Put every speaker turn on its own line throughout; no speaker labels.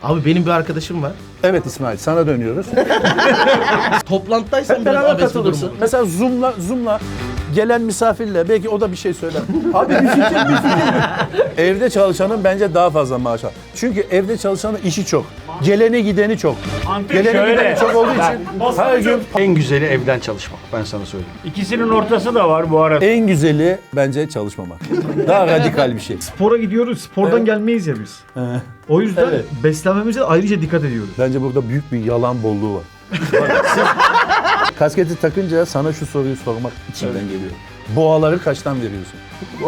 Abi benim bir arkadaşım var.
Evet İsmail, sana dönüyoruz.
Toplantıdaysan
Hep
biraz
beraber
abes bir
katılırsın.
durum olur.
Mesela Zoom'la gelen misafirle belki o da bir şey söyler. Abi bir fikir. Evde çalışanın bence daha fazla maaş var. Çünkü evde çalışanın işi çok. Geleni gideni çok. Geleni gideni çok olduğu için her gün
En güzeli evden çalışmak, ben sana söyleyeyim.
İkisinin ortası da var bu arada.
en güzeli bence çalışmamak. Daha radikal bir şey.
Spora gidiyoruz. Spordan gelmeyiz ya biz. O yüzden
Evet.
beslenmemize ayrıca dikkat ediyoruz.
Bence burada büyük bir yalan bolluğu var. Kasketi takınca sana şu soruyu sormak içimden geliyor. Boğaları kaçtan veriyorsun?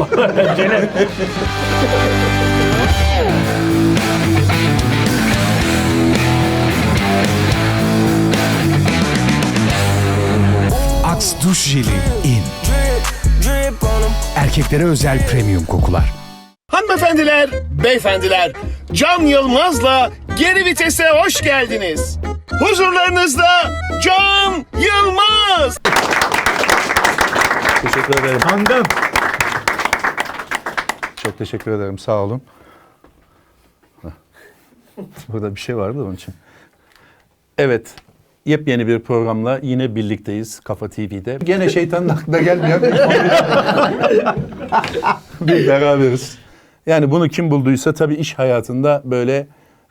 Axe duş jeli in. Erkeklere özel premium kokular.
Hanımefendiler, beyefendiler, Can Yılmaz'la Geri Vites'e hoş geldiniz. Huzurlarınızda Can Yılmaz.
Teşekkür ederim.
Kandım.
Çok teşekkür ederim. Sağ olun. Burada bir şey vardı onun için. Evet. Yepyeni bir programla yine birlikteyiz Kafa TV'de. Gene şeytanın aklına gelmeyen bir beraberiz. Yani bunu kim bulduysa tabii iş hayatında böyle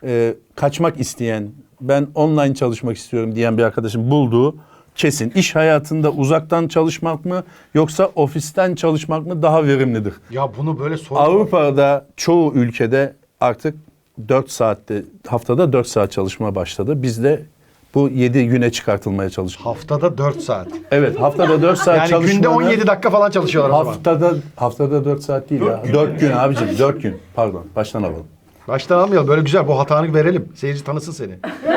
kaçmak isteyen, ben online çalışmak istiyorum diyen bir arkadaşım bulduğu kesin. İş hayatında uzaktan çalışmak mı yoksa ofisten çalışmak mı daha verimlidir?
Ya bunu böyle sorma.
Avrupa'da çoğu ülkede artık 4 saatte, haftada 4 saat çalışma başladı. Bizde bu 7 güne çıkartılmaya çalışıyor.
Haftada 4 saat.
Evet, haftada 4 saat
Yani
çalışmanın...
günde 17 dakika falan çalışıyorlar o zaman.
Haftada 4 saat değil ya. 4 gün abicim, 4 gün. Pardon, baştan alalım.
Baştan almayalım. Böyle güzel. Bu hatanı verelim. Seyirci tanısın seni.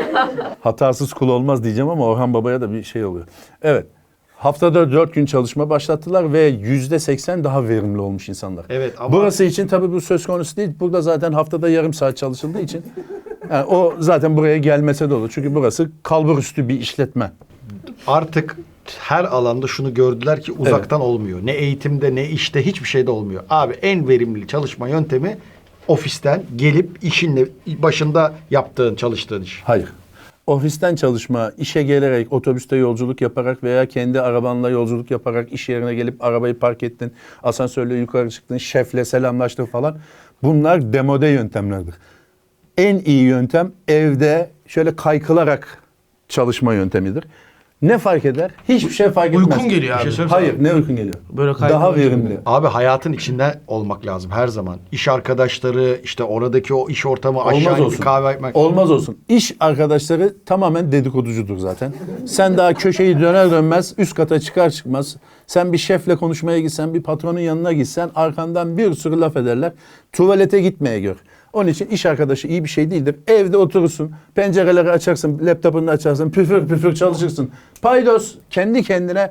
Hatasız kul olmaz diyeceğim ama Orhan Baba'ya da bir şey oluyor. Evet, haftada 4 gün çalışma başlattılar ve %80 daha verimli olmuş insanlar.
Evet, ama-
Burası için tabii bu söz konusu değil. Burada zaten haftada yarım saat çalışıldığı için yani o zaten buraya gelmese de olur. Çünkü burası kalburüstü bir işletme.
Artık her alanda şunu gördüler ki uzaktan olmuyor. Ne eğitimde ne işte hiçbir şeyde olmuyor. Abi en verimli çalışma yöntemi ofisten gelip işinle başında yaptığın, çalıştığın iş.
Hayır. Ofisten çalışma, işe gelerek, otobüste yolculuk yaparak veya kendi arabanla yolculuk yaparak iş yerine gelip arabayı park ettin, asansörle yukarı çıktın, şefle selamlaştın falan. Bunlar demode yöntemlerdir. En iyi yöntem evde şöyle kaykılarak çalışma yöntemidir. Ne fark eder? Hiçbir şey fark etmez.
Uykun geliyor abi.
Hayır, ne uykun geliyor?
Böyle
Daha
kaykılarak
verimli.
Abi hayatın içinde olmak lazım her zaman. İş arkadaşları, işte oradaki o iş ortamı, aşağı
Olmaz
inip
olsun.
kahve içmek.
Olmaz olsun. İş arkadaşları tamamen dedikoducudur zaten. Sen daha köşeyi döner dönmez üst kata çıkar çıkmaz. Sen bir şefle konuşmaya gitsen, bir patronun yanına gitsen arkandan bir sürü laf ederler. Tuvalete gitmeye gör. Onun için iş arkadaşı iyi bir şey değildir. Evde oturursun, pencereleri açarsın, laptopunu açarsın, püfür püfür çalışırsın. Paydos kendi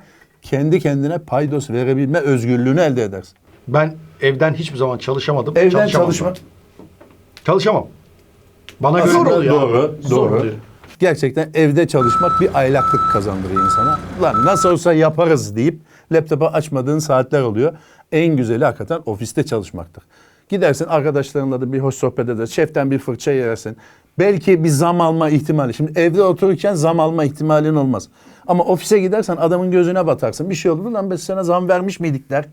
kendine paydos verebilme özgürlüğünü elde edersin.
Ben evden hiçbir zaman çalışamadım.
Evden
çalışamam
çalışma.
da. Çalışamam. Bana göre
Zor oluyor.
Doğru,
Zor
doğru.
oluyor.
Gerçekten evde çalışmak bir aylaklık kazandırıyor insana. Lan nasıl olsa yaparız deyip laptopu açmadığın saatler oluyor. En güzeli hakikaten ofiste çalışmaktır. Gidersin arkadaşlarınla da bir hoş sohbet edersin. Şeften bir fırça yersin. Belki bir zam alma ihtimali. Şimdi evde otururken zam alma ihtimalin olmaz. Ama ofise gidersen adamın gözüne batarsın. Bir şey olur lan biz sana zam vermiş miydik der.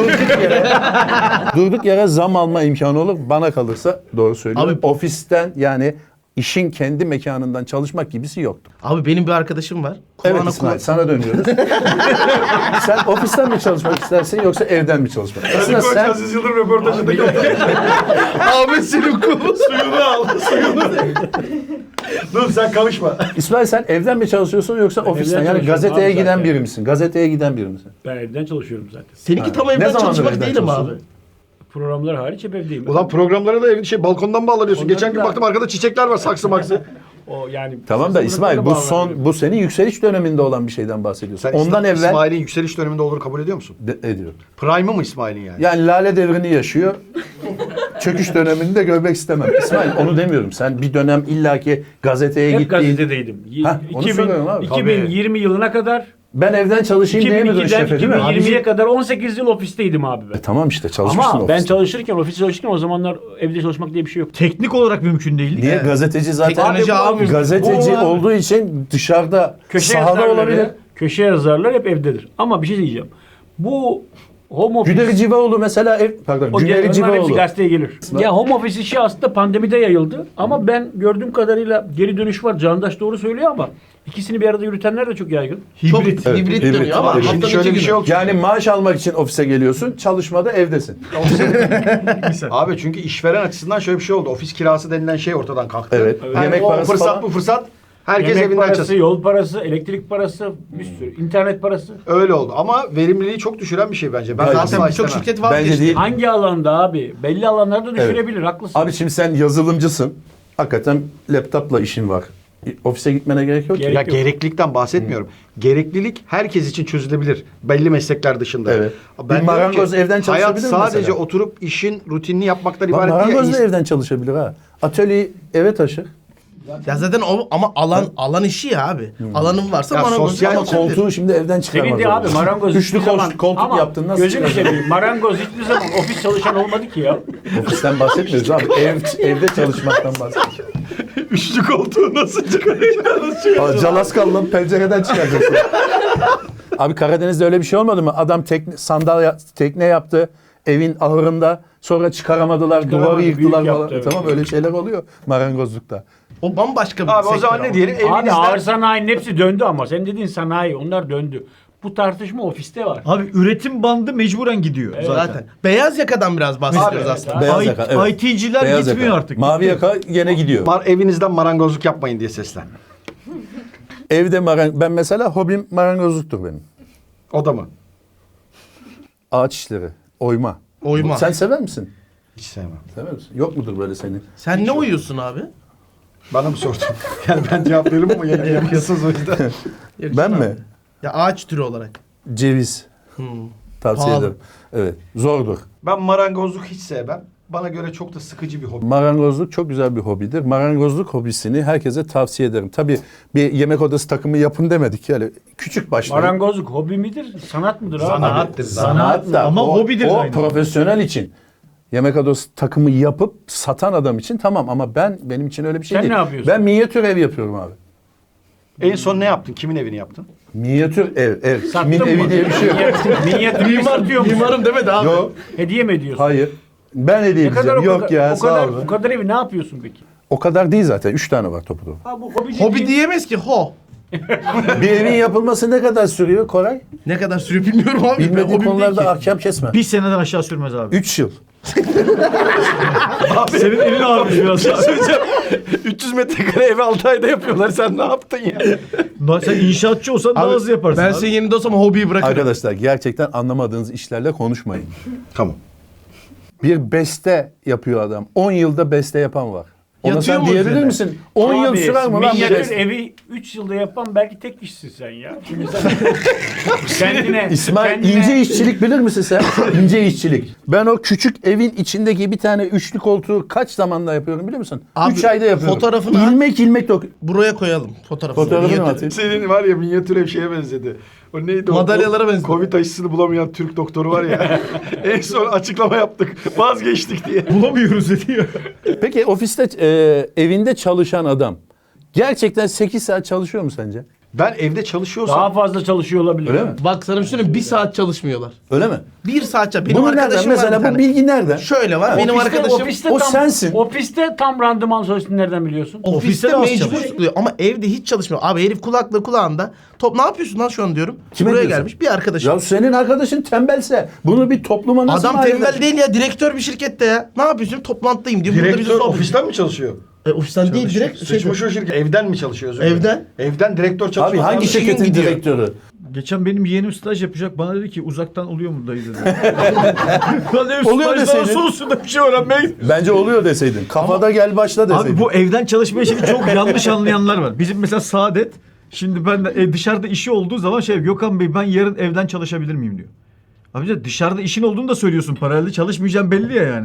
Durduk yere zam alma imkanı olur. Bana kalırsa doğru söylüyorum.
Abi-
Ofisten yani işin kendi mekanından çalışmak gibisi yoktur.
Abi benim bir arkadaşım var.
Evet
Kulağına
İsmail
kulak-
sana dönüyoruz. Sen ofisten mi çalışmak istersin yoksa evden mi çalışmak? Aslında sen
Aziz Yıldırım röportajında
Ahmet Selim Kulu.
suyunu al, suyunu. Dur sen karışma.
İsmail sen evden mi çalışıyorsun yoksa ofisten? Yani
çalışıyorum
gazeteye
abi
giden
zaten.
biri misin? Gazeteye giden biri misin?
Ben evden çalışıyorum zaten.
Seninki tam
Ne
evden
zamandır
çalışmak
evden
değil mi abi?
çalışıyorsun?
Programlar hariç hep evdeyim.
Ulan programlara da evin balkondan bağlanıyorsun.
Onları
Geçen gün
da-
baktım arkada çiçekler var, saksı maksı.
O yani
Tamam da İsmail bu senin yükseliş döneminde olan bir şeyden bahsediyorsun.
Sen
Ondan evvel
İsmail'in yükseliş döneminde olduğunu kabul ediyor musun?
ediyorum.
Prime'ı mı İsmail'in yani?
Yani lale devrini yaşıyor. Çöküş dönemini de görmek istemem. İsmail onu demiyorum. Sen bir dönem illaki gazeteye
hep
gittiğin...
gazetedeydim.
Hah, onu söylüyorum abi.
2020 yılına kadar
Ben evden çalışayım diyemiyordun
2002'den
şefe değil mi?
2020'ye kadar 18 yıl ofisteydim abi ben.
Tamam işte çalışmışsın
Ama ben
ofiste.
çalışırken, ofiste çalışırken o zamanlar evde çalışmak diye bir şey yok.
Teknik olarak mümkün değil.
Niye? Gazeteci zaten
Teknoloji abi.
gazeteci
Bu-
olduğu için dışarıda
Köşe
sahada olabilir.
yazarları, köşe yazarlar hep evdedir. Ama bir şey diyeceğim. Bu home office...
Cüneyt Civaoğlu mesela
O
Cüneyt
onlar hepsi
Civaoğlu.
gazeteye gelir. Ya home office işi aslında pandemide yayıldı. Ama ben gördüğüm kadarıyla geri dönüş var. Candaş doğru söylüyor ama ikisini bir arada yürütenler de çok yaygın.
Çok
Hibrit.
Evet,
hibrit
hibrit.
dönüyor ama
Şimdi
Şimdi
haftanın
şöyle
iki
bir şey
günü.
yok.
Yani maaş almak için ofise geliyorsun, çalışmada evdesin.
Abi çünkü işveren açısından şöyle bir şey oldu. Ofis kirası denilen şey ortadan kalktı.
Evet.
Yani
Yemek
o
parası
fırsat
falan.
bu fırsat. Herkes
Yemek
evinden
parası,
çalışsın.
yol parası, elektrik parası, bir sürü. internet parası.
Öyle oldu ama verimliliği çok düşüren bir şey bence. Ben
Zaten
asla
Zaten birçok
istemem.
şirket
Bence
vazgeçti.
değil.
Hangi alanda abi? Belli alanlarda düşürebilir. Haklısın.
Abi şimdi sen yazılımcısın. Hakikaten laptopla işin var. Ofise gitmene gerek yok ki.
Gerek
Ya
yok.
gereklilikten bahsetmiyorum. Gereklilik herkes için çözülebilir. Belli meslekler dışında.
Evet.
Ben
Bir
diyorum
marangoz
ki,
evden çalışabilir
hayat
mi
sadece
mesela?
oturup işin rutinini yapmaktan
Bak,
ibaret
marangoz da
değil.
evden çalışabilir ha. Atölyeyi eve taşır.
Ya zaten o ama alan işi ya abi. Alanın varsa
Ya
bana
sosyal
Koltuğu şimdi evden çıkarmaz.
Senin de abi
zorunda.
marangoz
Üçlü
hiçbir zaman-
koltuk
Ama
yaptın nasıl
gözünü
çıkaracaksın?
seveyim. Marangoz hiçbir zaman ofis çalışan olmadı ki ya.
Ofisten bahsetmiyoruz abi. Evde çalışmaktan bahsediyoruz.
Üçlü koltuğu nasıl çıkaracaksın?
Calaskal'la pencereden çıkaracaksın. Abi Karadeniz'de öyle bir şey olmadı mı? Adam tekne yaptı evin ahırında. Sonra çıkaramadılar, duvarı
büyük
yıktılar
yaptı,
falan.
evet.
Tamam öyle şeyler oluyor marangozlukta.
O bambaşka bir
Abi o
sektör
zaman
ama.
ne diyelim?
Abi ağır
Evinizden
sanayinin hepsi döndü ama. Sen dediğin sanayi onlar döndü. Bu tartışma ofiste var.
Abi üretim bandı mecburen gidiyor zaten.
Zaten. Beyaz yakadan biraz bahsediyoruz
Abi,
aslında.
Beyaz yaka, evet.
IT'ciler
Beyaz
gitmiyor
yaka.
artık.
Mavi yaka yine gidiyor.
evinizden marangozluk yapmayın diye seslen.
Evde ben mesela hobim marangozluktur benim.
O da mı?
Ağaç işleri, oyma.
Oyma.
Sen sever misin?
Hiç sevmem.
Sever misin? Yok mudur böyle senin?
Sen ne uyuyorsun abi?
Bana mı sordun? Yani ben cevap veririm ama yine yapıyorsunuz o yüzden.
Ben mi?
Ya ağaç türü olarak.
Ceviz. Tavsiye
Pahalı.
ederim. Evet. Zordur.
Ben marangozluk hiç sevmem. Bana göre çok da sıkıcı bir hobi.
Marangozluk çok güzel bir hobidir. Marangozluk hobisini herkese tavsiye ederim. Tabii bir yemek odası takımı yapın demedik yani. Küçük başlayın.
Marangozluk hobi midir? Sanat mıdır abi?
Sanattır.
Sanat da
Ama
o,
hobidir
o
aynı.
profesyonel için. Yemek odası takımı yapıp satan adam için tamam ama benim için öyle bir şey
Sen
değil.
ne yapıyorsun?
Ben minyatür ev yapıyorum abi.
En son ne yaptın? Kimin evini yaptın?
Minyatür ev.
Sattın
Kimin
mı?
evi diye bir şey yok.
Minyatürü satıyor musun?
Mimarım demedi abi.
Yok.
Hediye mi ediyorsun?
Hayır. Ben hediye edeceğim. Yok ya sağ ol.
O kadar evi ne yapıyorsun peki?
O kadar değil zaten. 3 tane var topu.
Ha bu hobi,
Hobi diyemez ki ho.
Bir evin yapılması ne kadar sürüyor Koray?
Ne kadar sürüyor bilmiyorum abi. Ben
Bilmediği
hobim değil
konularda
ki.
ahkam kesme.
Bir seneden aşağı sürmez abi.
3 yıl.
Senin elin ağrımış biraz.
300 metrekare evi 6 ayda yapıyorlar. Sen ne yaptın ya?
Sen inşaatçı olsan daha
Abi,
hızlı yaparsın
Ben
abi.
senin yerinde olsam hobiyi bırakırım.
Arkadaşlar gerçekten anlamadığınız işlerle konuşmayın.
Tamam.
Bir beste yapıyor adam. 10 yılda beste yapan var. Ona
Yatıyor
sen
mu
diyebilir
üzerine?
misin? 10 yıl sürer mi lan bir
minyatür
beste?
evi 3 yılda yapan belki tek kişisin sen ya. Şimdi sen kendine...
İsmail
kendine-
ince işçilik bilir misin sen? İnce işçilik. Ben o küçük evin içindeki bir tane üçlü koltuğu kaç zamanda yapıyorum biliyor musun?
Abi,
3 ayda yapıyorum.
fotoğrafını at.
ilmek
Buraya koyalım fotoğrafını.
Fotoğrafını
Minyatür.
atayım.
Senin var ya minyatür ev şeye benzedi. O neydi o?
Madalyalara benzedi.
Covid aşısını bulamayan Türk doktoru var ya. En son açıklama yaptık. Vazgeçtik diye.
Bulamıyoruz dedi ya.
Peki ofiste evinde çalışan adam gerçekten 8 saat çalışıyor mu sence?
Ben evde çalışıyorsam
Daha fazla çalışıyor olabilir.
Öyle mi?
Bak sana bir şey söyleyeyim, 1 saat çalışmıyorlar.
Öyle mi?
1 saat çalışıyor. Benim
Bunu nereden?
arkadaşım var bir
Mesela bu
tane.
bilgi nereden?
Şöyle var. Benim arkadaşım
O sensin.
Ofiste tam randıman çalıştığını nereden biliyorsun?
ofiste
Ofiste de az
mecbur
çalışıyor.
sıkılıyor ama evde hiç çalışmıyor. Abi herif kulaklığı kulağında. Ne yapıyorsun lan şu an diyorum.
Kime
Buraya
diyorsun?
gelmiş bir arkadaşım.
Ya senin arkadaşın tembelse bunu bir topluma nasıl
Adam
mal
tembel
edersin?
değil ya, direktör bir şirkette ya. Ne yapıyorsun? Toplantıdayım diyor. Burada bize
direktör
sohbet-
ofisten mi çalışıyor?
Ofisten değil direkt
Sıçmış o şirket. Evden mi çalışıyor? özür dilerim?
Evden.
Evden direktör çalışıyor.
Abi hangi
işin
şirketin
gidiyor.
direktörü?
Geçen benim yeğenim staj yapacak. Bana dedi ki uzaktan oluyor mu dayı dedi. Lan dedim,
Oluyor
stajdan
deseydin.
sonrasında bir şey öğrenmeye gidiyorum.
Bence oluyor deseydin. Kafada gel başla deseydin.
Abi bu evden çalışma işini çok yanlış anlayanlar var. Bizim mesela Saadet şimdi ben de, dışarıda işi olduğu zaman Gökhan Bey ben yarın evden çalışabilir miyim diyor. Abi dışarıda işin olduğunu da söylüyorsun. Paralelde çalışmayacağım belli ya yani.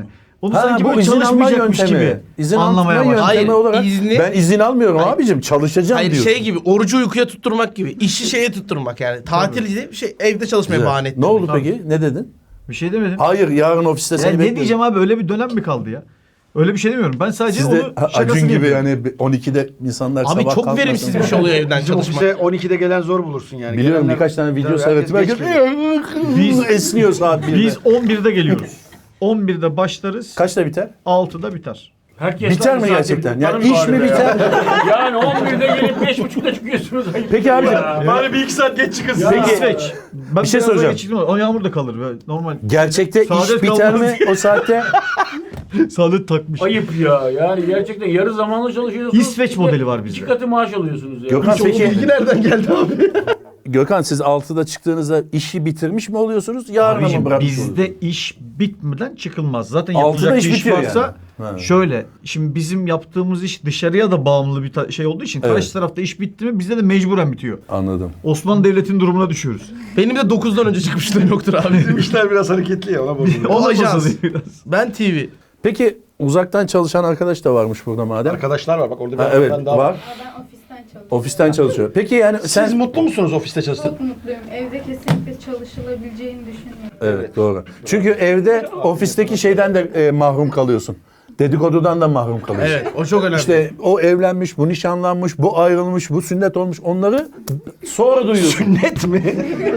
Onu
Ha,
sanki
bu
böyle
izin alma
çalışmayacakmış
yöntemi.
gibi
İzin
anlamaya
alma
başladım.
yöntemi
Hayır,
olarak
izni-
ben izin almıyorum
Hayır.
abicim. Çalışacağım
Hayır
diyorsun.
şey gibi orucu uykuya tutturmak gibi. İşi şeye tutturmak yani. Tatil değil bir şey evde çalışmaya
Güzel.
bahane ettirmek.
Ne oldu peki? Ne dedin?
Bir şey demedim.
Hayır yarın ofiste
Ya
seni
ne
bekliyorum.
diyeceğim abi, öyle bir dönem mi kaldı ya? Öyle bir şey demiyorum. Ben sadece
Siz
onu
de
şakasını
Acun gibi
yapıyorum.
yani 12'de insanlar
Abi
sabah
çok
kalkmasın.
verimsiz bir şey oluyor evden
Bizim
çalışmak.
ofise 12'de gelen zor bulursun yani.
Biliyorum
Gelenler-
birkaç tane video
Tabii,
seyrettim.
herkes geç
Herkes
geliyor.
esniyor saat 1'de.
Biz 11'de geliyoruz. 11'de başlarız.
Kaçta biter?
6'da biter.
Herkes
Biter mi
zaten
gerçekten?
kurtarın
Yani iş mi
bari be ya.
biter?
Yani 11'de gelip 5.30'da çıkıyorsunuz. Ayıp
Peki
ya.
abicim.
Bari bir iki saat geç çıkın.
Peki. İsveç. Ben
bir şey
biraz daha
soracağım.
geçirdim ama o yağmur da kalır. Böyle normal.
Gerçekte
Saadet
iş biter
kalmaz.
mi o saatte?
Saadet takmış.
Ayıp ya. Yani gerçekten yarı zamanlı çalışıyorsunuz.
İsveç
Bir de
modeli var bizde.
2 katı maaş alıyorsunuz ya.
Gökhan peki
Bilgi nereden geldi abi?
Gökhan siz 6'da çıktığınızda işi bitirmiş mi oluyorsunuz? Yarın mı
Abicim,
bırakmış
bizde
oluyorsunuz?
iş bitmeden çıkılmaz. Zaten
6'da
yapılacak
iş
bir iş
bitiyor
varsa
yani. Ha.
şöyle. Şimdi bizim yaptığımız iş dışarıya da bağımlı bir şey olduğu için karşı
Evet.
tarafta iş bitti mi bizde de mecburen bitiyor.
Anladım.
Osmanlı Devleti'nin durumuna düşüyoruz.
Benim de 9'dan önce çıkmışlığım yoktur abi.
Bizim işler biraz hareketli ya ona bozuluyor.
O
Olmasa
ajans.
diye biraz.
Ben TV.
Peki uzaktan çalışan arkadaş da varmış burada madem.
Arkadaşlar var bak orada bir
Ha, evet
hanımefendi daha
var.
Ben ofisten çalışıyorum.
Ofisten çalışıyor. Peki yani sen...
Siz mutlu musunuz ofiste çalıştığınız?
Çok mutluyum. Evde kesinlikle çalışılabileceğini düşünüyorum.
Evet doğru. Çünkü evde ofisteki şeyden de mahrum kalıyorsun. Dedikodudan da mahrum kalıyorsun.
Evet o çok önemli.
İşte o evlenmiş, bu nişanlanmış, bu ayrılmış, bu sünnet olmuş. Onları sonra duyuyorsun.
Sünnet mi?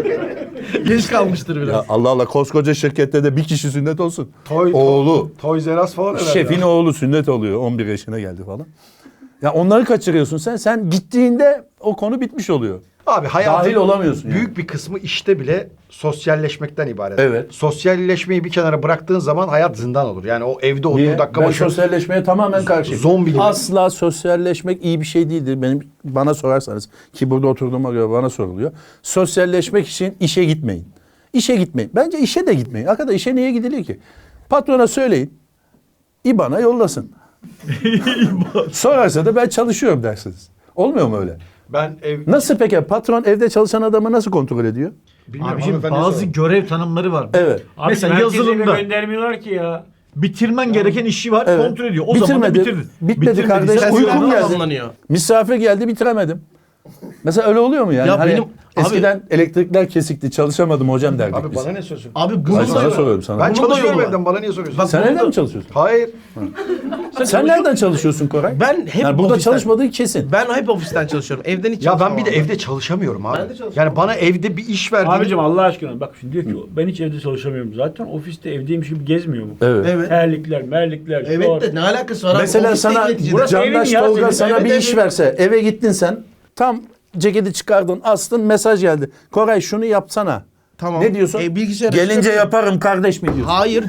geç kalmıştır biraz.
Ya Allah Allah koskoca şirkette de bir kişi sünnet olsun.
Toy-
Oğlu,
Toys R Us falan herhalde.
şefin oğlu sünnet oluyor. 11 yaşına geldi falan. Ya onları kaçırıyorsun sen. Sen gittiğinde o konu bitmiş oluyor.
Abi hayatın
Dahil olamıyorsun yani.
büyük bir kısmı işte bile sosyalleşmekten ibaret.
Evet.
Sosyalleşmeyi bir kenara bıraktığın zaman hayat zindan olur. Yani o evde otur
Niye?
dakika
Ben
başı
sosyalleşmeye tamamen karşıyım.
Zombi gibi.
Asla sosyalleşmek iyi bir şey değildir. Bana sorarsanız ki burada oturduğuma göre bana soruluyor. Sosyalleşmek için işe gitmeyin. İşe gitmeyin. Bence işe de gitmeyin. Arkadaş işe niye gidiliyor ki? Patrona söyleyin. İBAN'a yollasın. Sorarsa da ben çalışıyorum dersiniz. Olmuyor mu öyle?
ben ev
Nasıl peki? Patron evde çalışan adamı nasıl kontrol ediyor?
bilmiyorum
Abicim
hanımefendiye
bazı
sorun.
görev tanımları var.
Evet.
Abi
Mesela
herkese
yazılımda
göndermiyorlar ki ya.
bitirmen gereken işi var,
Evet.
kontrol ediyor. O zaman da
Bitirmedi.
bitirdin.
Bitmedi
Bitirmediyse
kardeş.
Sen
Uykum
silahla
geldi.
tamamlanıyor.
Misafir geldi bitiremedim. Mesela öyle oluyor mu yani?
Ya
Hani
benim-
eskiden elektrikler kesikti çalışamadım hocam derdik
Abi
biz.
bana ne söylüyorsun?
Abi
Ay,
bunu
sana
da
soruyorum sana.
Ben
Bunun da
çalışıyorum
yolu var.
evden bana niye soruyorsun?
Bak,
Sen
bunu
evden
da-
mi çalışıyorsun?
Hayır.
Sen nereden çalışıyorsun Koray?
Ben hep
Yani burada
ofisten.
çalışmadığın kesin.
Ben hep ofisten çalışıyorum. Evden hiç
Ya ben
çalışmam
bir de
abi.
evde çalışamıyorum abi.
Ben de çalışamam.
Yani bana evde bir iş verdiğin...
Abicim Allah aşkına bak şimdi diyor ki ben hiç evde çalışamıyorum zaten. Ofiste evdeymiş gibi gezmiyor mu?
Evet.
Evet.
Terlikler, merlikler.
Evet de ne alakası var abi?
Mesela
Ofiste
sana
neticede.
Burası
Candaş
evin ya,
Tolga
senin.
sana
Evet,
bir
evet.
iş verse eve gittin sen tam ceketi çıkardın astın mesaj geldi. Koray şunu yapsana.
Tamam.
Ne diyorsun?
Bilgisayar
Gelince yaparım kardeş mi diyorsun?
Hayır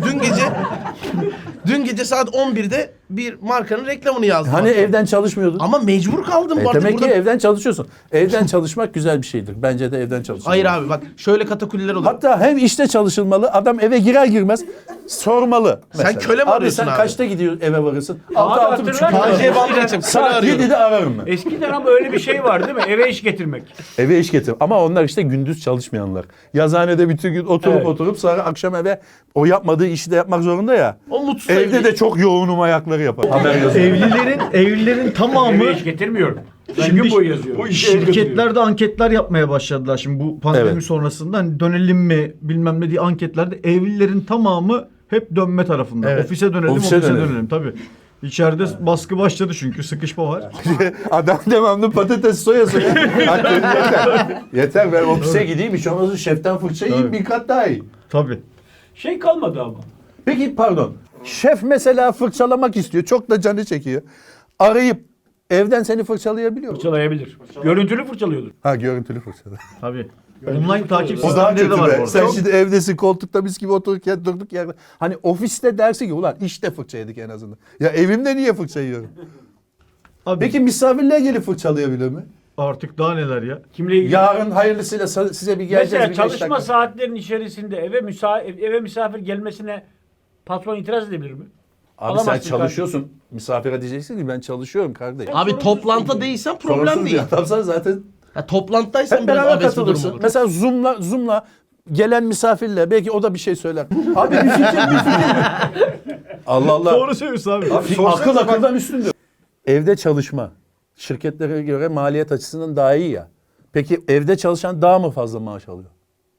dün gece saat 11'de bir markanın reklamını yazdım.
Hani evden çalışmıyordun?
Ama mecbur kaldım bu arada.
Demek ki
Burada...
evden çalışıyorsun. Evden çalışmak güzel bir şeydir. Bence de evden çalışılmalı.
Hayır abi bak şöyle katakulliler olur.
Hatta hem işte çalışılmalı. Adam eve girer girmez sormalı. Mesela.
köle mi arıyorsun
sen
abi?
kaçta gidiyor eve varırsın?
Abi
6-6.30
hatırlar mısın?
KJ bağlayacağım. Köle
Saat
arıyorum.
7'de ararım ben.
Eskiden ama öyle bir şey var değil mi? Eve iş getirmek.
Eve iş getir. Ama onlar işte gündüz çalışmayanlar. Yazıhanede bütün gün oturup sonra akşam eve o yapmadığı işi de yapmak zorunda ya.
O mutsuz
Evde
evli.
de çok yoğunum ayakları yapar. Haber yazıyor.
Evlilerin tamamı
Eve iş getirmiyorum. Ben
Şimdi
gün boyu yazıyorum.
şirketlerde anketler yapmaya başladılar şimdi bu pandemi
Evet.
sonrasında. Hani dönelim mi bilmem ne diye anketlerde evlilerin tamamı hep dönme tarafında.
Evet.
Ofise dönelim,
Ofise
ofise
dönelim.
dönelim tabii. İçeride baskı başladı çünkü sıkışma var.
Adam devamlı patates soya. Hatta yeter. Yeter ben ofise gideyim hiç olmazsa şeften fırça yiyeyim bir kat daha iyi.
Tabii.
Şey kalmadı ama.
Peki pardon. Şef mesela fırçalamak istiyor. Çok da canı çekiyor. Arayıp evden seni fırçalayabiliyor mu?
Fırçalayabilir. Görüntülü fırçalıyordur.
Ha görüntülü fırçala.
Tabii. Online takip
O daha
sistemleri de
kötü
var
be.
orada.
Sen şimdi evdesin koltukta biz gibi otururken durduk yerde. Hani ofiste dersin ki ulan işte fırça yedik en azından. Ya evimde niye fırça yiyorum?
Abi,
Peki misafirler gelip fırçalayabilir mi?
artık daha neler ya.
Kimle ilgili?
Yarın hayırlısıyla size bir geleceğiz.
Mesela
bir
çalışma
5 dakika.
saatlerinin içerisinde eve misafir gelmesine patron itiraz edebilir mi?
Abi
Alamazsın
sen çalışıyorsun. Misafire diyeceksin ki ben çalışıyorum kardeşim.
Abi
Sorunsuz
toplantıda
değil.
değilsen problem
Sorunsuz
değil.
bir adamsan zaten
Ya toplantıdaysan
hep
biraz
beraber
abes bir durum
katılırsın.
olur.
Mesela Zoom'la gelen misafirle belki o da bir şey söyler. Abi bir fikir. Allah Allah.
Doğru söylüyorsun abi.
Akıl akıldan üstündür. Evde çalışma şirketlere göre maliyet açısından daha iyi ya. Peki evde çalışan daha mı fazla maaş alıyor?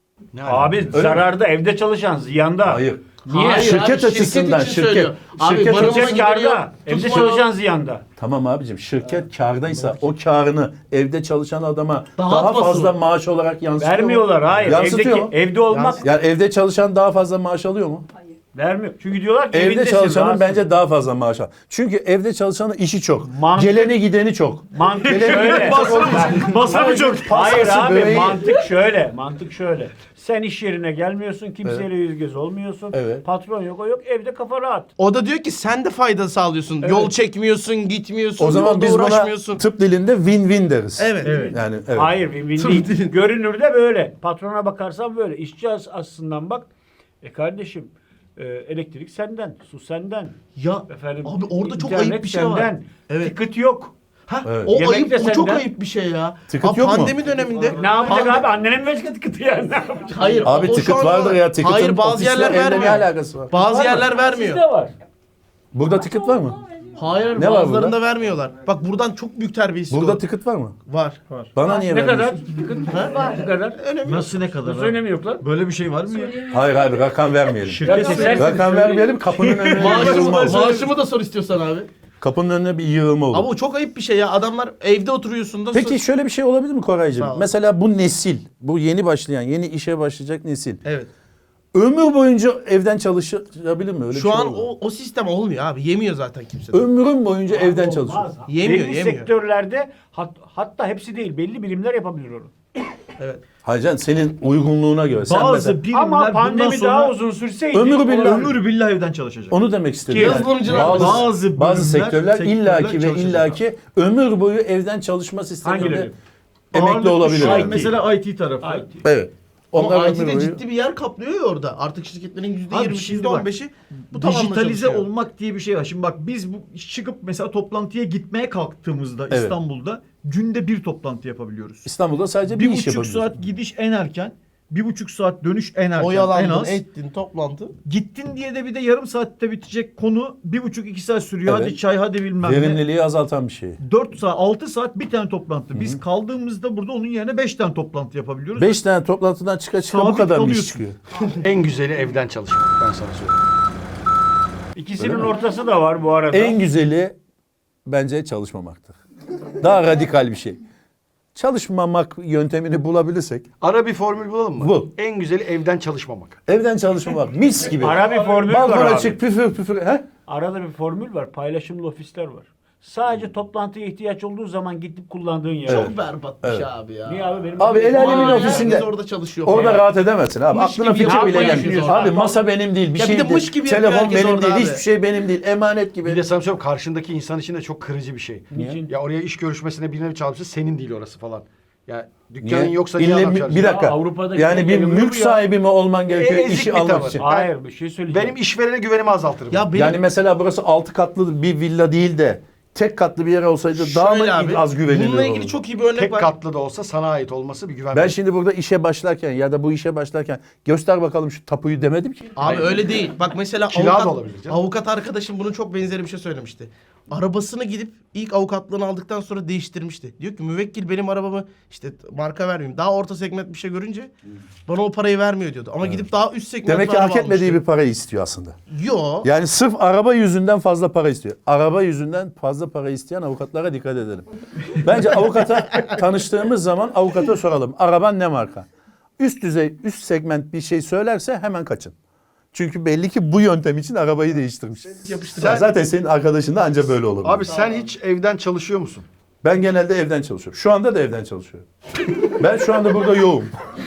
Abi zararda, evde çalışan ziyanda.
Hayır.
Niye?
Hayır
Şirket
abi,
açısından,
için söylüyor. Abi
şirket
barınma
Şirket
gideri
kârda,
yok,
evde
tutma yok.
çalışan ziyanda.
Tamam abicim şirket kârdaysa o kârını evde çalışan adama daha
Dağıtmasın.
fazla maaş olarak yansıtıyor mu?
Vermiyorlar, hayır.
Yansıtıyor mu?
Evde olmak
Yani evde çalışan daha fazla maaş alıyor mu?
vermiyor. Çünkü diyorlar ki
Evde
evindesin,
çalışanın
rahatsın.
bence daha fazla maaş alıyor. Çünkü evde çalışanın işi çok.
Mantık-
Geleni gideni çok.
Mantık şöyle.
Masa mı çok?
Hayır
Pastası,
abi
böreği.
mantık şöyle. Sen iş yerine gelmiyorsun, kimseyle yüz göz olmuyorsun.
Evet.
Patron yok, o yok, evde kafa rahat.
O da diyor ki sen de fayda sağlıyorsun. Yol çekmiyorsun, gitmiyorsun,
O zaman
yolda
biz buna
uğraşmıyorsun.
tıp dilinde win-win deriz.
Evet.
Yani evet.
Hayır, win-win değil. Görünürde böyle. Patrona bakarsan böyle. İşçi aslından bak. Kardeşim, elektrik senden, su senden.
Ya
Efendim,
abi orada çok
internet
ayıp bir şey var.
senden.
Evet.
Ticket yok.
Ha,
Evet.
o
Yemek
ayıp,
de
o çok
senden.
ayıp bir şey ya.
Ticket
Abi
yok mu?
pandemi döneminde.
Ne yapacak
Pande-
abi? Annene mi verecek ticket'ı yani? Ne yapacak?
Hayır.
Abi
o şu
ticket
anda
vardır ya.
var.
Ticket'ın
Hayır bazı
ofisle
yerler
evle ne
vermiyor.
alakası var?
Bazı yerler vermiyor.
Sizde var.
Burada ticket var mı?
Hayır
Ne var
bazılarında
burada?
vermiyorlar. Bak buradan çok büyük terbiyesizlik
Burada
olur.
ticket var mı?
Var.
Bana niye
Ne kadar?
vermiyorsun?
Ticket ne kadar?
Nasıl ne kadar
Nasıl
abi?
önemi yok lan?
Böyle bir şey var mı ya?
Hayır abi rakam vermeyelim.
Ya kesersin.
Rakam vermeyelim kapının önüne bir yığılma olur.
Maaşımı da sor istiyorsan abi.
Kapının önüne bir yığılma olur.
Ama o çok ayıp bir şey ya. Adamlar evde oturuyorsun da.
Peki şöyle bir şey olabilir mi Koraycığım?
Sağ ol.
Mesela bu nesil, bu yeni başlayan, yeni işe başlayacak nesil.
Evet.
Ömür boyunca evden çalışabilir mi? Öyle bir
Şu
şey
an
olur mu?
o sistem olmuyor abi. Yemiyor zaten kimse. de.
Ömrüm boyunca evden çalışıyor.
Yemiyor,
Belli
yemiyor.
sektörlerde hatta hepsi değil, belli birimler yapabilir onu.
Evet.
Hayır canım, senin uygunluğuna göre. Sen
Bazı
mesela,
birimler
Ama
bundan
pandemi
sonra
daha uzun sürseydi.
ömür
billah evden çalışacak.
onu demek istedim.
Yazılımcılar
bazı
bölümler,
sektörler illaki ve
çalışacak.
illaki ömür boyu evden çalışma sisteminde
Hangileri?
emekli
Ağırlıklı
olabilir.
şu an
yani.
Mesela IT tarafı.
IT.
Evet.
Ama
Onlar ömür
IT'de
boyu.
ciddi bir yer kaplıyor ya orada. Artık şirketlerin
Abi
%20'si,
şimdi bak,
%15'i bu tabanla
Dijitalize
çalışıyor.
olmak diye bir şey var. Şimdi bak biz bu çıkıp mesela toplantıya gitmeye kalktığımızda
Evet.
İstanbul'da günde bir toplantı yapabiliyoruz.
İstanbul'da sadece bir iş
1,5
yapabiliyorsun.
saat gidiş en erken, 1,5 saat dönüş en erken, en
Oyalandın,
az.
ettin, toplantı.
Gittin diye de bir de yarım saatte bitecek konu 1,5-2 saat sürüyor.
Evet.
Hadi çay, hadi bilmem ne.
Verimliliği azaltan bir şey.
4 saat, 6 saat bir tane toplantı. Biz kaldığımızda burada onun yerine 5 tane toplantı yapabiliyoruz.
5 tane toplantıdan çıka bu
Sabit
kadar bir iş
kalıyorsun.
çıkıyor.
En güzeli evden çalışmak ben sana söyleyeyim.
İkisinin ortası da var bu arada.
En güzeli bence çalışmamaktır. Daha radikal bir şey. Çalışmamak yöntemini bulabilirsek
Ara bir formül bulalım mı?
Bul.
En güzeli evden çalışmamak.
evden çalışmamak mis gibi.
Ara bir formül var
Balkona
abi.
çık püfür püfür. He?
Arada bir formül var. Paylaşımlı ofisler var. Sadece toplantıya ihtiyaç olduğu zaman gidip kullandığın yer.
Çok berbat bir şey abi ya.
Niye abi benim?
Abi el alemin
Aa,
ofisinde.
herkes orada çalışıyor.
Orada
falan.
rahat edemezsin abi.
Mış
Aklına
gibi
fikir bile
yapmayı
gelmiyor.
düşünüyorsun.
Abi masa benim değil, bir
Ya bir
şey
de
değil.
mış gibi yapıyor
Telefon
herkes
benim
orada
değil,
abi.
hiçbir şey benim değil. Emanet gibi.
Bir de sana söyleyeyim karşındaki insan için de çok kırıcı bir şey.
Niçin?
Ya oraya iş görüşmesine birine çağırmışsın senin değil orası falan. Ya dükkanın
Niye?
yoksa niye
İlle
adam
bir
çağırsın?
dakika.
Ya Avrupa'daki
yani bir
ülkeler
mülk
bu ya.
sahibi mi olman gerekiyor
Ezik
işi
bir
almak
tavır.
için?
Hayır bir şey söyleyeceğim.
Benim işverene güvenimi azaltırım.
Ya benim
Yani mesela burası 6 katlı bir villa değil de tek katlı bir yer olsaydı daha mı
şöyle abi,
az güvenilir
bununla ilgili
olurdu?
çok iyi bir örnek
Tek
var.
katlı da olsa sana ait olması bir güven
Ben
verir.
şimdi burada işe başlarken ya da bu işe başlarken göster bakalım şu tapuyu demedim ki.
Abi öyle değil. Bak mesela
Kira da olabilir canım.
avukat arkadaşım bunun çok benzeri bir şey söylemişti. Arabasını gidip ilk avukatlığını aldıktan sonra değiştirmişti. Diyor ki müvekkil benim arabamı işte marka vermeyeyim. Daha orta segment bir şey görünce bana o parayı vermiyor diyordu. Ama gidip daha üst segment
Demek ki hak etmediği bir parayı istiyor aslında.
Yo.
Yani sırf araba yüzünden fazla para istiyor. Araba yüzünden fazla para isteyen avukatlara dikkat edelim. Bence avukata tanıştığımız zaman avukata soralım. Araban ne marka? Üst düzey, üst segment bir şey söylerse hemen kaçın. Çünkü belli ki bu yöntem için arabayı değiştirmiş. Zaten senin arkadaşın da anca böyle olur.
Abi sen hiç evden çalışıyor musun?
Ben genelde evden çalışıyorum. Şu anda da evden çalışıyorum. Ben şu anda burada yoğum.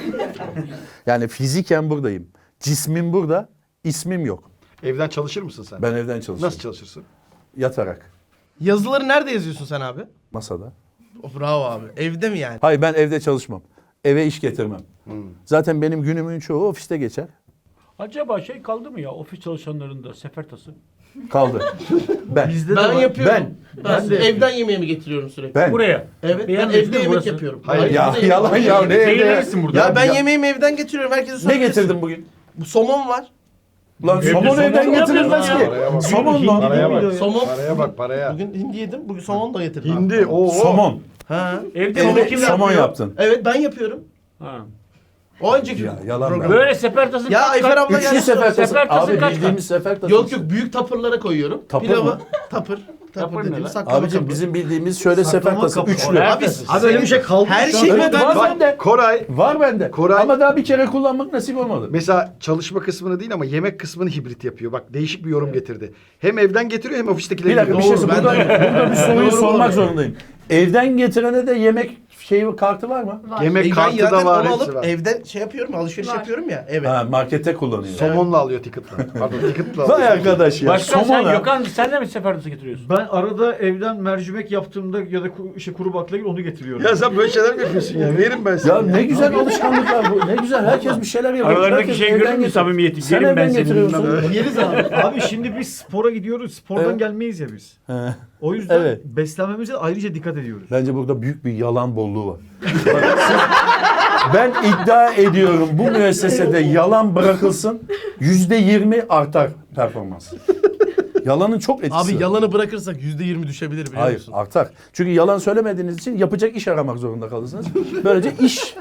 Yani fiziken buradayım. Cismim burada, ismim yok.
Evden çalışır mısın sen?
Ben evden çalışıyorum.
Nasıl çalışırsın?
Yatarak,
Yazıları nerede yazıyorsun sen abi?
masada.
Oh, bravo abi. Evde mi yani?
Hayır ben evde çalışmam. Eve iş getirmem. Zaten benim günümün çoğu ofiste geçer.
Acaba şey kaldı mı ya ofis çalışanlarında sefertası?
Kaldı. Ben.
Bizde de
Ben
var.
yapıyorum.
Ben
Ben evden yemeğimi getiriyorum sürekli.
Ben.
Buraya.
Evet ben
Beğendin
evde
mi
yemek
burası?
yapıyorum.
Hayır,
Ya
burada
yalan
yemek
ya
yapıyorum.
ne evde?
Zehirlenirsin burada.
Ya ben
Ya-
yemeğimi evden getiriyorum. Herkese
Ne
sorabilirsin.
getirdin bugün?
Bu somon var.
Lan somon evden getirilmez ki.
Paraya bak.
Somon lan.
Paraya bak.
Somon.
Paraya bak paraya.
Bugün hindi yedim. Bugün somon da getirdim.
Hindi o.
Somon.
Ha.
Evde
Evde
kim
somon
yapıyor?
yaptın.
Evet ben yapıyorum.
Ha.
O önceki
yalan
program.
be.
Böyle sefertasın.
Ya Ayfer abla
Üçlü
geldi.
sefer tası.
Sefer
Abi
kaç
bildiğimiz sefer tası.
Yok büyük tapırlara koyuyorum.
Tapır
Pilavı
mı?
tapır.
Tapır ne
dediğimiz
lan?
saklama
Abicim
kapı.
bizim bildiğimiz şöyle sefer
Saklama
tası.
kapı.
Üçlü.
Abi,
Abi öyle bir şey kaldı.
her
şu an.
şey
Evet,
ben
var bende.
Koray
Var bende.
Koray-
Ama daha bir kere kullanmak nasip olmadı.
mesela çalışma kısmını değil ama yemek kısmını hibrit yapıyor. Bak değişik bir yorum getirdi. Hem evden getiriyor hem ofistekileri
Bir dakika bir
getiriyor.
şey
Doğru,
burada,
ben
burada bir soruyu
Doğru,
sormak
doğru.
zorundayım. Evden getirene de yemek kartı var mı?
Var.
Yemek
Ben
kartı
zaten
da var,
onu
hepsi
alıp
var.
evden şey yapıyorum, alışveriş
Var.
yapıyorum ya. Evet.
Ha, markette kullanıyor.
Somonla alıyor ticket'la. Pardon ticket'la
Vay
alıyor.
arkadaş ya.
Başka sen
Somona.
Gökhan sen de mi sefertası getiriyorsun?
Ben arada evden mercimek yaptığımda ya da kuru baklagil onu getiriyorum.
Ya sen böyle şeyler mi yapıyorsun ya? Verin ben sana.
Ya ne güzel alışkanlıklar bu. Ne güzel. Herkes bir şeyler yapıyor.
Aralarındaki
Herkes
şey
evden
görür müsün
getiriyor.
samimiyeti?
Sen
Gelin ben
evden
senin
getiriyorsun.
bilmem ne.
Yeriz abi. Abi şimdi biz spora gidiyoruz. Spordan
Evet.
gelmeyiz ya biz.
He.
O yüzden
Evet.
beslenmemize ayrıca dikkat ediyoruz.
Bence burada büyük bir yalan bolluğu var. Bak, ben iddia ediyorum bu müessesede yalan bırakılsın %20 artar performans. Yalanın çok etkisi
Abi
var.
yalanı bırakırsak %20 düşebilir biliyor
Hayır
musun?
artar. Çünkü yalan söylemediğiniz için yapacak iş aramak zorunda kalırsınız. Böylece iş.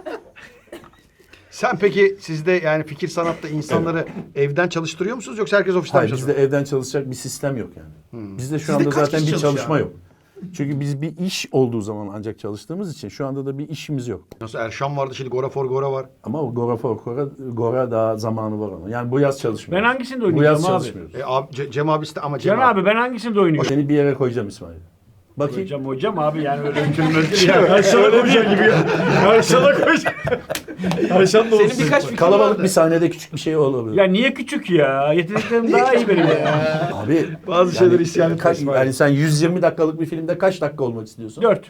Sen peki sizde yani fikir sanatta insanları evden çalıştırıyor musunuz yoksa herkes ofisten mi
Hayır
çalışıyor?
bizde evden çalışacak bir sistem yok yani. Bizde şu
Sizde
anda
kaç
zaten
kişi
bir
çalışıyor
çalışma
abi?
yok. Çünkü biz bir iş olduğu zaman ancak çalıştığımız için şu anda da bir işimiz yok.
Nasıl Erşan vardı şimdi Gora for Gora var.
Ama o Gora daha zamanı var ama. Yani bu yaz çalışmıyoruz.
Ben hangisinde
Bu yaz
oynayacağım abi?
çalışmıyoruz.
Abi, Cem abisi de ama
Can abi ben hangisinde oynuyorum?
Seni bir yere koyacağım İsmail. Bakayım.
Hocam abi yani öyle mümkün ya.
Erşan'a koyacak gibi ya. Erşan'a koyacak. Erşan da olsun.
Senin birkaç fikrin
Kalabalık
vardı.
bir sahnede küçük bir şey olabilir.
Ya niye küçük ya? Yeteneklerim daha iyi benim ya.
Abi
Bazı şeyler isyan etmez.
yani sen 120 dakikalık bir filmde kaç dakika olmak istiyorsun?
4.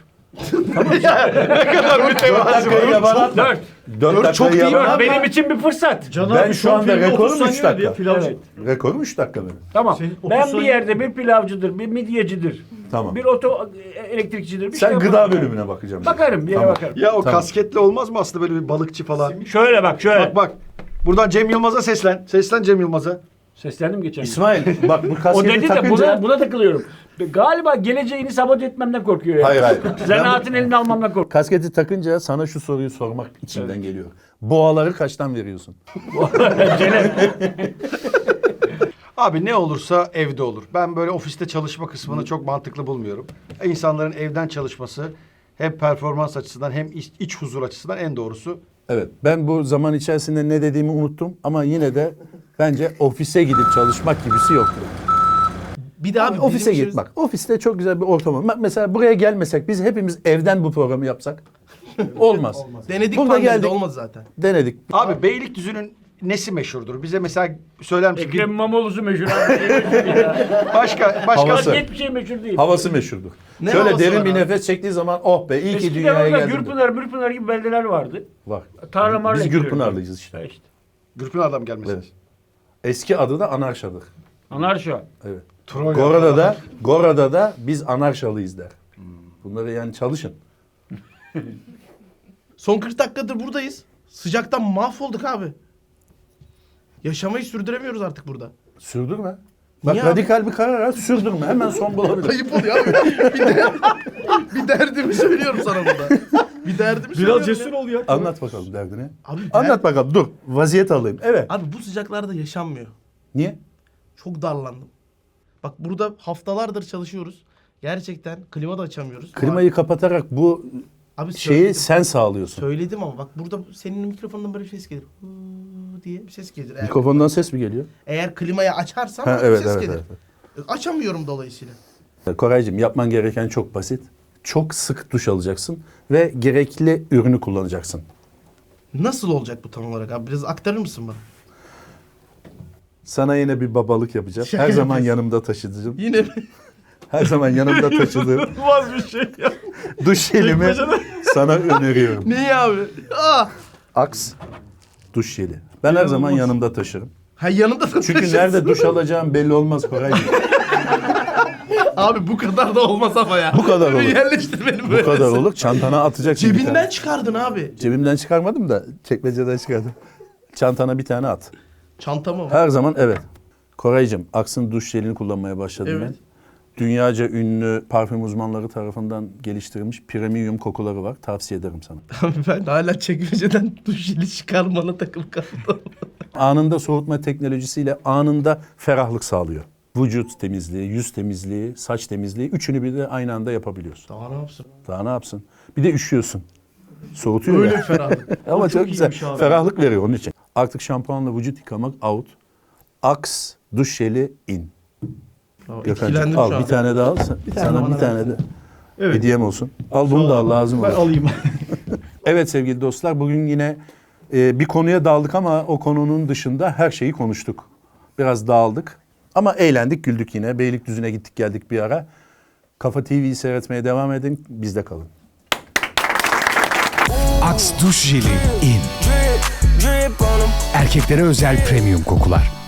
Ne kadar mütevazi
dakikayı bana
4.
4
çok değil
dakikayı
abi.
Benim için bir fırsat.
Can
Ben
abi
şu
son
anda
filmde
rekorum
30
3
saniye diye
dakika.
pilavcı.
Evet.
Rekorum 3 dakika benim.
Tamam.
Senin 30
Ben bir
saniye-
yerde bir pilavcıdır, bir midyecidir.
Tamam.
Bir elektrikçidir. Bir
Sen
şey
gıda
yaparım.
bölümüne bakacağım.
Bakarım, bir yere
Tamam.
bakarım.
Ya o
Tamam.
kasketle olmaz mı aslında böyle bir balıkçı falan?
Şöyle bak, şöyle.
Bak bak. Buradan Cem Yılmaz'a seslen. Seslen Cem Yılmaz'a.
Seslendim geçen gün.
İsmail bak bu
O
kasketi
dedi de
takınca...
buna takılıyorum. Galiba geleceğini sabote etmemden korkuyor ya.
Hayır.
Zanaatın elini almamdan korkuyor.
Kasketi takınca sana şu soruyu sormak içimden geliyor. Boğaları kaçtan veriyorsun?
Abi ne olursa evde olur. Ben böyle ofiste çalışma kısmını çok mantıklı bulmuyorum. İnsanların evden çalışması hem performans açısından hem iç huzur açısından en doğrusu.
Evet. Ben bu zaman içerisinde ne dediğimi unuttum ama yine de bence ofise gidip çalışmak gibisi yoktur.
Bir de abi
Ofise
bizim
git bak. Ofiste çok güzel bir ortam var. Bak mesela buraya gelmesek biz hepimiz evden bu programı yapsak olmaz.
Denedik
Burada
pandemide
geldik.
olmadı zaten.
Denedik.
Abi Beylikdüzü'nün nesi meşhurdur? Bize mesela söyler misin?
Ekrem İmamoğlu'su meşhur abi.
Başka
Havası.
Başka hiçbir şey meşhur değil.
Havası meşhurdur.
Ne
Şöyle
havası
derin
var
bir
abi?
nefes çektiği zaman oh be iyi ki
Eskiden
dünyaya
orada
geldim.
Gürpınar gibi beldeler vardı.
Var.
Tarlamarla
Biz
ekliyoruz.
Gürpınarlıyız işte.
İşte.
Gürpınar'dan mı gelmesi?
Evet. Eski adı da Anarşadır.
Anarşo.
Evet.
Troya.
Gora'da da biz Anarşalıyız der. Bunları yani çalışın.
Son 40 dakikadır buradayız. Sıcaktan mahvolduk abi. Yaşamayı sürdüremiyoruz artık burada.
Sürdürme. Bak
Niye abi?
radikal bir karar al, sürdürme. Hemen son bulabilir.
Ayıp oluyor abi. Bir derdimi söylüyorum sana burada. Bir derdimi söylüyorum.
Biraz cesur
ya.
ol ya.
Anlat bakalım derdini.
Abi,
Anlat bakalım. Dur. Vaziyet alayım. Evet.
Abi bu sıcaklarda yaşanmıyor.
Niye?
Çok darlandım. Bak burada haftalardır çalışıyoruz. Gerçekten klima da açamıyoruz.
Klimayı kapatarak bu
Abi
şeyi
söyledim.
sen sağlıyorsun.
Söyledim ama bak burada senin mikrofonundan böyle bir ses gelir. Hıı diye bir ses gelir.
Mikrofondan ses mi geliyor?
Eğer klimayı açarsam
Ha,
bir
evet,
ses
evet,
gelir.
evet.
Açamıyorum dolayısıyla.
Koraycığım yapman gereken çok basit. Çok sık duş alacaksın ve gerekli ürünü kullanacaksın.
Nasıl olacak bu tam olarak abi? Biraz aktarır mısın bana?
Sana yine bir babalık yapacağım.
Şaka
Her zaman
yapıyorsun.
yanımda taşıdığım.
Yine
Her zaman yanımda taşıdığım
İnanılmaz bir şey ya.
duş jelimi sana öneriyorum.
neyi abi? Aa!
Axe duş jeli. Ben her zaman yanımda taşırım.
Ha yanında da
Çünkü
taşırsın.
nerede duş alacağım belli olmaz Koraycığım.
Abi bu kadar da olmaz ama ya.
Bu kadar
Bir
olur.
Yerleştir beni böyle.
Bu kadar olur. Çantana atacaksın bir
Cebinden
tane.
çıkardın abi.
Cebimden çıkarmadım da çekmeceden çıkardım. Çantana bir tane at.
Çanta mı?
Her zaman evet. Koraycığım, Aks'ın duş jelini kullanmaya başladım
Evet.
ben. Dünyaca ünlü parfüm uzmanları tarafından geliştirilmiş premium kokuları var. Tavsiye ederim sana.
Abi ben hala çekmeceden duş jeli çıkarmana takım kaldım.
Anında soğutma teknolojisiyle anında ferahlık sağlıyor. Vücut temizliği, yüz temizliği, saç temizliği üçünü bir de aynı anda yapabiliyorsun.
Daha ne yapsın?
Daha ne yapsın? Bir de üşüyorsun. Soğutuyor
Öyle
ya.
ferahlık.
Ama çok güzel.
iyiymiş abi.
Ferahlık veriyor onun için. Artık şampuanla vücut yıkamak out. Axe duş jeli in. Gökhan'cığım
Etkilendim
al
şu an.
bir tane daha al. Sana bir tane de
Evet.
hediyem olsun. Al bunu da al lazım
Ben
olur.
alayım.
Evet sevgili dostlar bugün yine bir konuya daldık ama o konunun dışında her şeyi konuştuk. Biraz dağıldık ama eğlendik güldük yine. Beylikdüzü'ne gittik geldik bir ara. Kafa TV'yi seyretmeye devam edin. Bizde kalın.
Axe duş jeli in. Erkeklere özel premium kokular.